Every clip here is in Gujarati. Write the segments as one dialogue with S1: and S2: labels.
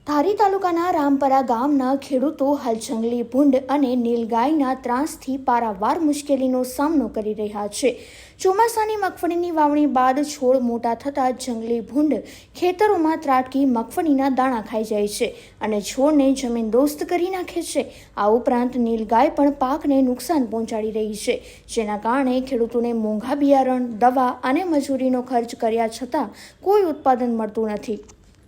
S1: ધારી તાલુકાના રામપરા ગામના ખેડૂતો હાલ જંગલી ભૂંડ અને નીલગાયના ત્રાસથી પારાવાર મુશ્કેલીનો સામનો કરી રહ્યા છે। ચોમાસાની મગફળીની વાવણી બાદ છોડ મોટા થતાં જંગલી ભૂંડ ખેતરોમાં ત્રાટકી મગફળીના દાણા ખાઈ જાય છે અને છોડને જમીનદોસ્ત કરી નાખે છે। આ ઉપરાંત નીલગાય પણ પાકને નુકસાન પહોંચાડી રહી છે, જેના કારણે ખેડૂતોને મોંઘા બિયારણ, દવા અને મજૂરીનો ખર્ચ કર્યા છતાં કોઈ ઉત્પાદન મળતું નથી।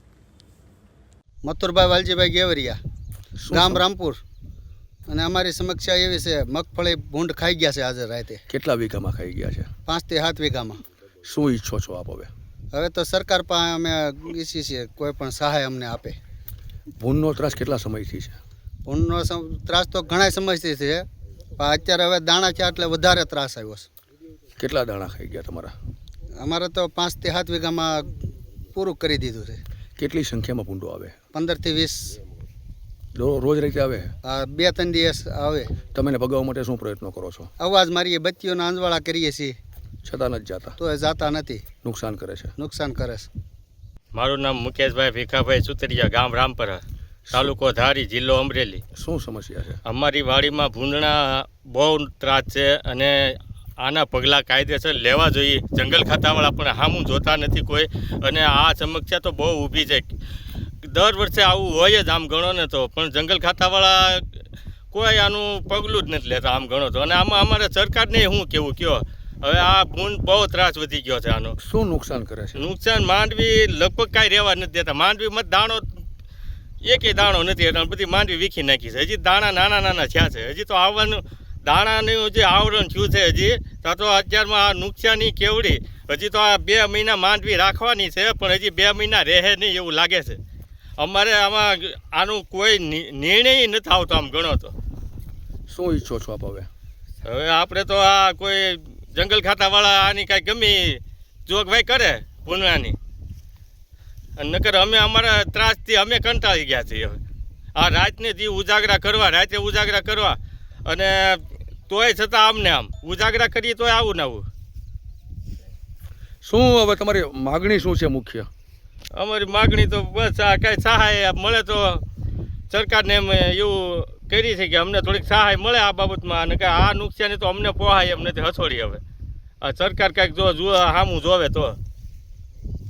S2: મથુરભાઈ વાલજીભાઈ ગેવરિયા, ગામ રામપુર। અને અમારી સમસ્યા એવી છે, મગફળી ભૂંડ ખાઈ ગયા છે આજે રાતે।
S3: કેટલા વીઘામાં ખાઈ ગયા છે?
S2: 5 થી 7 વીઘામાં।
S3: શું ઈચ્છો છો આપ હવે?
S2: હવે તો સરકાર પાસે અમે ઈચ્છીએ છીએ કોઈ પણ સહાય અમને આપે।
S3: ભૂંડનો ત્રાસ કેટલા સમયથી છે?
S2: ભૂંડનો ત્રાસ તો ઘણા સમયથી છે, પણ અત્યારે હવે દાણા છે એટલે વધારે ત્રાસ આવ્યો છે।
S3: કેટલા દાણા ખાઈ ગયા તમારા?
S2: અમારે તો 5 થી 7 વીઘામાં પૂરું કરી દીધું છે।
S3: કેટલી સંખ્યામાં ભૂંડો આવે?
S2: 15 થી 20
S3: રોજ રીતે આવે?
S2: 2-3 દિવસ આવે।
S3: તમે ભગાવવા માટે શું પ્રયત્નો કરો છો?
S2: અવાજ મારીએ, બત્તીઓના અંજવાળા કરીએ છીએ,
S3: છતાં નથી જતા?
S2: તો એ જાતા નથી,
S3: નુકસાન કરે છે।
S2: નુકસાન કરે છે।
S4: મારું નામ મુકેશભાઈ ભીખાભાઈ સુતરિયા, ગામ રામપરા, તાલુકો ધારી, જિલ્લો અમરેલી।
S3: શું સમસ્યા છે?
S4: અમારી વાડીમાં ભૂંડના બહુ ત્રાસ છે અને આના પગલાં કાયદેસર લેવા જોઈએ। જંગલ ખાતાવાળા પણ સામું જોતા નથી કોઈ, અને આ સમસ્યા તો બહુ ઊભી છે। દર વર્ષે આવું હોય જ આમ ગણો ને તો, પણ જંગલ ખાતાવાળા કોઈ આનું પગલું જ નથી લેતા આમ ગણો તો। અને આમાં અમારે સરકારને શું કહેવું કયો? હવે આ ભૂંડ બહુ ત્રાસ વધી ગયો છે આનો।
S3: શું નુકસાન કરે છે?
S4: નુકસાન માંડવી લગભગ કાંઈ રહેવા નથી દેતા। માંડવીમાં દાણો એકેય દાણો નથી, એટલે બધી માંડવી વીખી નાખી છે। હજી દાણા નાના નાના થયા છે, હજી તો આવવાનું દાણાનું જે આવરણ થયું છે હજી તો અત્યારમાં આ નુકસાની કેવડી। હજી તો આ 2 મહિના માંડવી રાખવાની છે, પણ હજી 2 મહિના રહે નહીં એવું લાગે છે। અમારે આમાં આનું કોઈ નિર્ણય નથી આવતો આમ ગણો તો।
S3: શું ઈચ્છો છો આપ હવે?
S4: હવે આપણે તો આ કોઈ જંગલ ખાતાવાળા આની કાંઈ ગમી જોગવાઈ કરે ભૂંડવાની, અને નકર અમે અમારા ત્રાસથી અમે કંટાળી ગયા છીએ। હવે આ રાતને દી ઉજાગરા કરવા, રાતે ઉજાગરા કરવા, અને તોય છતાં આમને આમ ઉજાગરા કરીએ તોય આવું ને આવું।
S3: શું હવે તમારી માગણી શું છે મુખ્ય?
S4: અમારી માગણી તો બસ આ કાંઈ સહાય મળે તો સરકારને એમ એવું કરી છે કે અમને થોડીક સહાય મળે આ બાબતમાં, અને કે આ નુકસાની તો અમને પોહાય એમ નથી, હથોડી। હવે આ સરકાર કાંઈક જો સામું જોવે તો।